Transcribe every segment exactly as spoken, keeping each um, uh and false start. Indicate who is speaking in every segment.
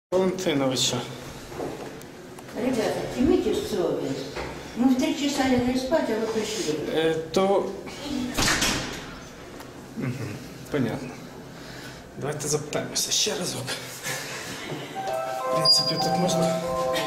Speaker 1: Валентиновича.
Speaker 2: Ребята, имейте совесть. Мы в три часа легли спать, а вы пришли.
Speaker 1: Е, то... Угу, понятно. Давайте запитаємося ще разок. В принципі, тут можна...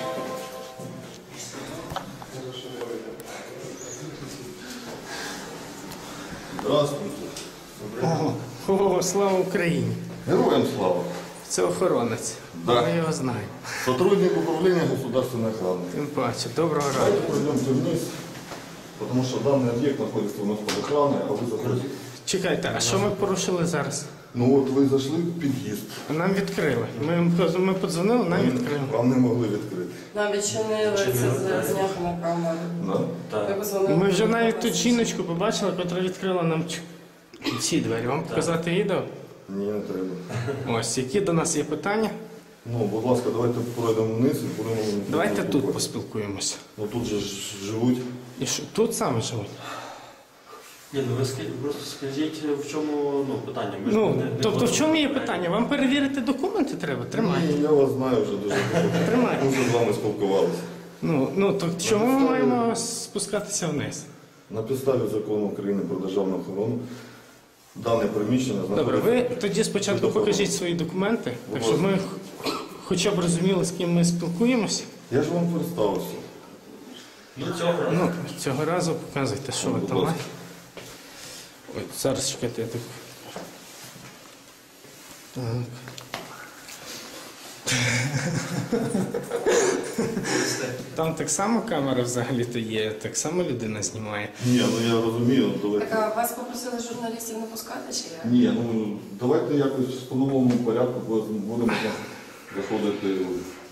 Speaker 3: Здравствуйте.
Speaker 1: О, о, слава Україні!
Speaker 3: Героям слава.
Speaker 1: Це охоронець.
Speaker 3: Да.
Speaker 1: Ми його знаємо.
Speaker 3: Сотрудник управления государственной охраны.
Speaker 1: Тим паче, доброго
Speaker 3: Давайте
Speaker 1: ранку.
Speaker 3: пройдемте вниз, потому что данный объект находится у нас под охраной, а вы закрыты.
Speaker 1: Чекайте, а що ми порушили зараз?
Speaker 3: Ну вот вы зашли в під'їзд.
Speaker 1: Нам відкрили. Ми, ми подзвонили, нам відкрили.
Speaker 3: Вам не могли відкрити.
Speaker 4: Нам відчинили це зняти на камеру.
Speaker 3: Да?
Speaker 4: Ми позвонили.
Speaker 1: Ми вже навіть тут жіночку побачили, яка відкрила нам ч- ці двері. Вам показати відео?
Speaker 3: Ні, не треба.
Speaker 1: Ось, які до нас є питання?
Speaker 3: Ну, будь ласка, давайте пройдемо вниз і будемо...
Speaker 1: Давайте тут
Speaker 3: спілкуватися.
Speaker 1: поспілкуємося.
Speaker 3: Ну тут же ж живуть.
Speaker 1: І що, тут саме живуть?
Speaker 5: Ні, ну ви скажіть, просто скажіть, в чому ну, питання. Ми ж
Speaker 1: Ну,
Speaker 5: не- не
Speaker 1: тобто в чому є
Speaker 5: можемо-
Speaker 1: питання? Вам перевірити документи треба? Тримайте.
Speaker 3: Ні, я вас знаю вже дуже добре.
Speaker 1: Тримайте.
Speaker 3: Ми вже з вами спілкувалися.
Speaker 1: Ну, ну, то чому ми маємо спускатися вниз?
Speaker 3: На підставі закону України про державну охорону дане приміщення
Speaker 1: Добре,
Speaker 3: знаходиться...
Speaker 1: ви тоді спочатку покажіть свої документи, так
Speaker 3: Будь
Speaker 1: щоб ми
Speaker 3: ласка.
Speaker 1: хоча б розуміли, з ким ми спілкуємося.
Speaker 3: Я ж вам представився.
Speaker 5: Ну, цього
Speaker 1: Ну, цього разу показуйте, що ви
Speaker 3: Будь
Speaker 1: там
Speaker 3: ласка.
Speaker 1: маєте. Ой, зараз чекайте, я так. Так. Там так само камера взагалі-то є, так само людина знімає.
Speaker 3: Ні, ну я розумію, ну, давайте.
Speaker 4: Так, а вас попросили журналістів не пускати, чи як?
Speaker 3: Ні, ну давайте якось в встановленому порядку будемо заходити.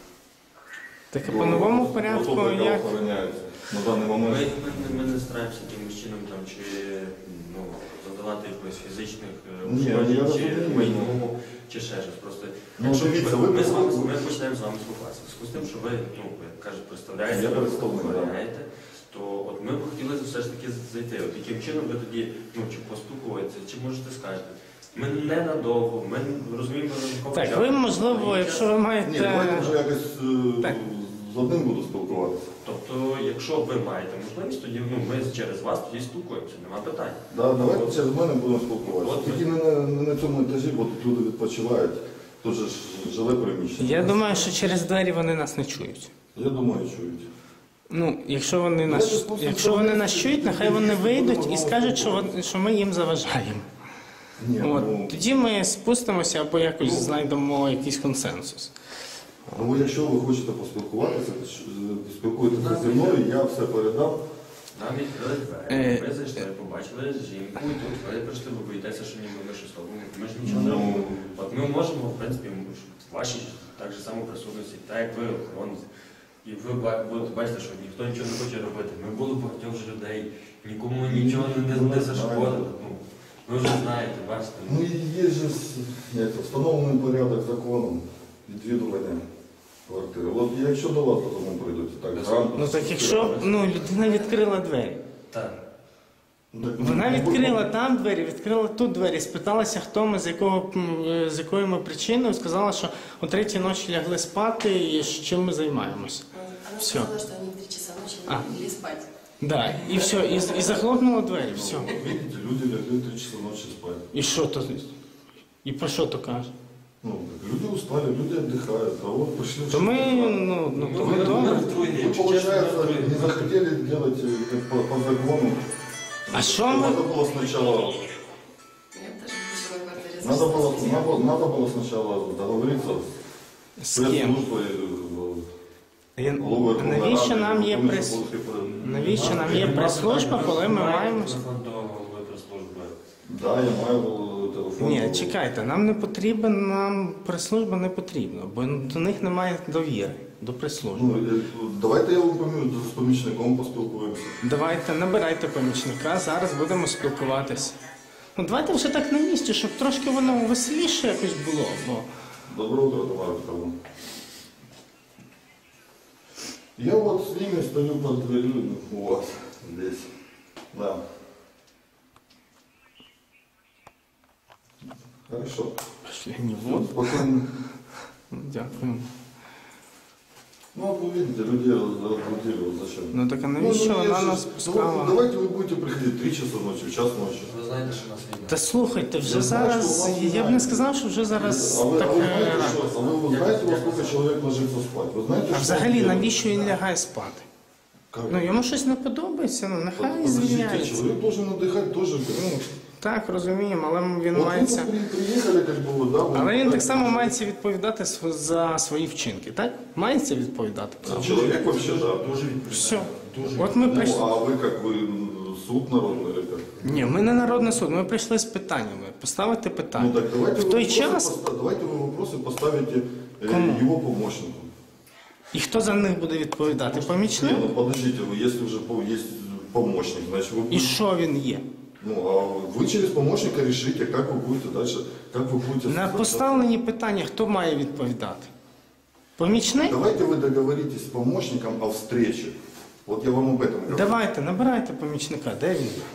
Speaker 1: Так а по новому
Speaker 3: до
Speaker 1: порядку
Speaker 3: особи, яка
Speaker 1: як?
Speaker 3: охороняється на даний
Speaker 5: Ми,
Speaker 3: момент.
Speaker 5: ми, ми не стараємося якимось чином там, чи ну, задавати якось фізичних е,
Speaker 3: Ні, я
Speaker 5: ушкоджень, чи
Speaker 3: розумію.
Speaker 5: майновому, чи ще щось. Просто,
Speaker 3: Ну,
Speaker 5: якщо
Speaker 3: дивіться,
Speaker 5: ми,
Speaker 3: ви
Speaker 5: ми, з вами,
Speaker 3: просто-
Speaker 5: ми почнемо з вами спілкуватися. В зв'язку з тим, що ви, ну, як кажуть, представляєте,
Speaker 3: Я
Speaker 5: ви
Speaker 3: представник, да.
Speaker 5: охороняєте, то от ми б хотіли все ж таки зайти. От яким чином ви тоді, ну, чи поспілкуєтеся, чи можете скажете. Ми ненадовго, ми розуміємо, що
Speaker 1: Так, ви, можливо, якщо ви
Speaker 3: Ні,
Speaker 1: маєте.
Speaker 3: давайте вже якось е,
Speaker 1: Так.
Speaker 3: з одним буду спілкуватися.
Speaker 5: Тобто, якщо ви маєте можливість, тоді ну, ми через вас тоді спілкуємося, нема питань.
Speaker 3: Да, давайте через мене будемо спілкуватися.
Speaker 5: От.
Speaker 3: Тільки не на, не на цьому етажі, бо тут люди відпочивають. Тут же ж жиле приміщення.
Speaker 1: Я думаю, що через двері вони нас не чують.
Speaker 3: Я думаю, чують.
Speaker 1: Ну, якщо вони нас, якщо вони нас чують, нехай вони вийдуть і скажуть, що, вони- що ми їм заважаємо.
Speaker 3: Ні, ну,
Speaker 1: От, тоді ми спустимося або якось знайдемо якийсь консенсус.
Speaker 3: ну, якщо ви хочете поспілкуватися, то ж, е, спілкуйтеся зі мною, я все передам.
Speaker 5: Нам відкрили
Speaker 1: Е,
Speaker 5: двері, ми зайшли, побачили жінку, і тут ви прийшли, ви боїтеся, що ніби ми щось робимо. Ми ж нічого не
Speaker 3: Ну.
Speaker 5: робимо. От ми можемо, в принципі, в вашій так же само присутності, так як ви охоронці. І ви ба- будете бачити, що ніхто нічого не хоче робити. Ми були багатьох вже людей, нікому нічого не, не, не зашкодили. Ну, ви вже знаєте, бачите.
Speaker 3: Ну і є ж як, це, встановлений порядок законом відвідування квартири. От якщо до вас додому прийдуть, так грамотно.
Speaker 1: Ну так якщо ну, людина відкрила двері.
Speaker 5: Так.
Speaker 3: Ну, так,
Speaker 1: Вона
Speaker 3: ну,
Speaker 1: відкрила там двері, відкрила тут двері, спиталася, хто ми, з, якого, м, е, з якою ми причиною, сказала, що о третій ночі лягли спати і з чим ми займаємося.
Speaker 4: Она
Speaker 1: Всё.
Speaker 4: сказала, что они в три часа ночи
Speaker 1: А.
Speaker 4: легли спать.
Speaker 1: Да, і все, і, і захлопнула двері, все.
Speaker 3: Видите, люди лягли в три часа ночі спати.
Speaker 1: І що то? І про що то каже?
Speaker 3: Ну, так люди устали, люди отдыхают, а вот пришли...
Speaker 1: То ми, ну, ну то ми
Speaker 5: Ми
Speaker 1: добре.
Speaker 5: отруєні,
Speaker 3: Вы,
Speaker 5: якщо чесно, ми
Speaker 3: получается,
Speaker 5: отруєні.
Speaker 3: не захотели делать э, как по, по закону.
Speaker 1: А что мы-
Speaker 3: Надо было сначала...
Speaker 4: Я даже в жилой квартире
Speaker 3: Надо было,
Speaker 4: зашла.
Speaker 3: надо, надо было сначала договориться с
Speaker 1: З ким?
Speaker 3: пресс-службой. э,
Speaker 1: Я-
Speaker 3: головою
Speaker 1: Навіщо
Speaker 3: Верховної
Speaker 1: нам
Speaker 3: Ради,
Speaker 1: є
Speaker 3: тому,
Speaker 1: прес...
Speaker 3: що були, типу,
Speaker 1: Навіщо нам є прес-служба, коли ми маємо...
Speaker 5: Телефон до голови прес-служби.
Speaker 3: Да, я маю е, телефон.
Speaker 1: Ні, чекайте, нам не потрібен, нам прес-служба не потрібна, бо до них немає довіри, до прес-служби.
Speaker 3: Ну, е, давайте я вам помі- з помічником поспілкуємося.
Speaker 1: Давайте, набирайте помічника, зараз будемо спілкуватися. Ну давайте вже так на місці, щоб трошки воно веселіше якось було, бо...
Speaker 3: Доброе утро, товарищ Павлов. Я вот с ними стою под дверью у вас здесь. Да. Хорошо.
Speaker 1: Пошли, не
Speaker 3: Всё,
Speaker 1: вот.
Speaker 3: спокойно.
Speaker 1: Дякую.
Speaker 3: Ну, вот вы видите, людей разбудили, вот зачем?
Speaker 1: Ну так а
Speaker 3: Ну,
Speaker 1: навіщо
Speaker 3: ну,
Speaker 1: вона
Speaker 3: я
Speaker 1: нас
Speaker 3: же-
Speaker 1: пускала?
Speaker 3: Давайте вы будете приходить в три часа ночи, в час ночи.
Speaker 5: Ви знаєте, що у нас війна.
Speaker 1: Та слухайте, вже
Speaker 3: Я знаю,
Speaker 1: зараз,
Speaker 3: що у вас
Speaker 1: я б
Speaker 3: немає.
Speaker 1: не сказав, що вже зараз
Speaker 3: а вы,
Speaker 1: так
Speaker 3: а вы
Speaker 1: е,
Speaker 3: знаете,
Speaker 1: рано.
Speaker 3: что, а вы, вы знаете, во сколько человек ложится спать? Вы знаете,
Speaker 1: А
Speaker 3: что
Speaker 1: взагалі,
Speaker 3: он делает?
Speaker 1: навіщо він лягає спати?
Speaker 3: Как?
Speaker 1: Ну йому щось не подобається, ну нехай
Speaker 3: Подождите,
Speaker 1: звільняється.
Speaker 3: человек должен отдыхать тоже. Ну,
Speaker 1: Так, розуміємо, але він
Speaker 3: вот
Speaker 1: мається.
Speaker 3: вы при- приехали, как бы, вот, да, вы-
Speaker 1: Але він так само мається відповідати св- за свої вчинки, так? Мається відповідати. правда?
Speaker 3: Человек вообще, да.
Speaker 5: Дуже відповідально.
Speaker 1: Все.
Speaker 5: Дуже
Speaker 1: От ми
Speaker 3: Ну,
Speaker 1: прийшли.
Speaker 3: а вы как, вы м, суд народный или как?
Speaker 1: Ні, ми не народний суд, ми прийшли з питаннями, поставити
Speaker 3: Ну
Speaker 1: питання.
Speaker 3: так давайте
Speaker 1: В
Speaker 3: вы
Speaker 1: той
Speaker 3: вопросы
Speaker 1: час,
Speaker 3: поста- давайте вы вопросы поставите э,
Speaker 1: Кому?
Speaker 3: его помощнику.
Speaker 1: і хто за них буде відповідати?
Speaker 3: Не,
Speaker 1: Помічник?
Speaker 3: ну подождите, вы, если уже по- есть помощник, значит вы
Speaker 1: І
Speaker 3: будете,
Speaker 1: що він є?
Speaker 3: ну, а вы через помощника решите, как вы будете дальше, как вы будете...
Speaker 1: На поставлені питання хто має відповідати? Помічник?
Speaker 3: Давайте вы договоритесь с помощником о встрече. Вот я вам об этом говорю.
Speaker 1: Давайте, набирайте помічника, де він є?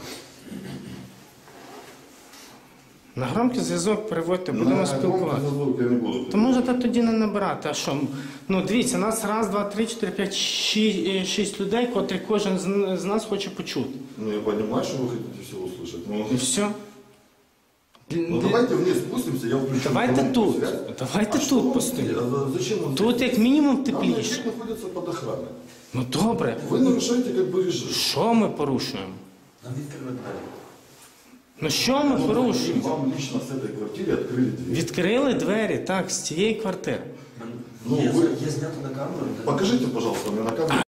Speaker 1: На громкий зв'язок переводьте, будемо
Speaker 3: На
Speaker 1: спілкуватися.
Speaker 3: громкий звук я не буду.
Speaker 1: То можете тоді не набирати. А що? Ну дивіться, нас раз, два, три, чотири, п'ять, шість, е, шість людей, котрі кожен з, з нас хоче почути.
Speaker 3: Ну я понимаю, что вы хотите все услышать. Но...
Speaker 1: І все.
Speaker 3: Ну давайте вниз спустимся, я включу.
Speaker 1: Давайте
Speaker 3: громкую
Speaker 1: тут.
Speaker 3: связь.
Speaker 1: Давайте
Speaker 3: А что
Speaker 1: тут
Speaker 3: вам
Speaker 1: постоїмо.
Speaker 3: здесь? А зачем вам
Speaker 1: Тут
Speaker 3: здесь?
Speaker 1: як мінімум
Speaker 3: Там
Speaker 1: тепліше.
Speaker 3: объект находится под охраной.
Speaker 1: Ну добре.
Speaker 3: Вы нарушаете как бы режим.
Speaker 1: Що ми порушуємо?
Speaker 5: Нам відкрили двері.
Speaker 1: Ну що ми
Speaker 3: Ну,
Speaker 1: порушуємо?
Speaker 3: Вам лично с этой квартиры открыли дверь.
Speaker 1: Відкрили двері, так, з цієї квартири.
Speaker 3: Ну,
Speaker 5: є,
Speaker 3: ви-
Speaker 5: є знято на камеру. де-
Speaker 3: Покажите, пожалуйста, мне на камеру.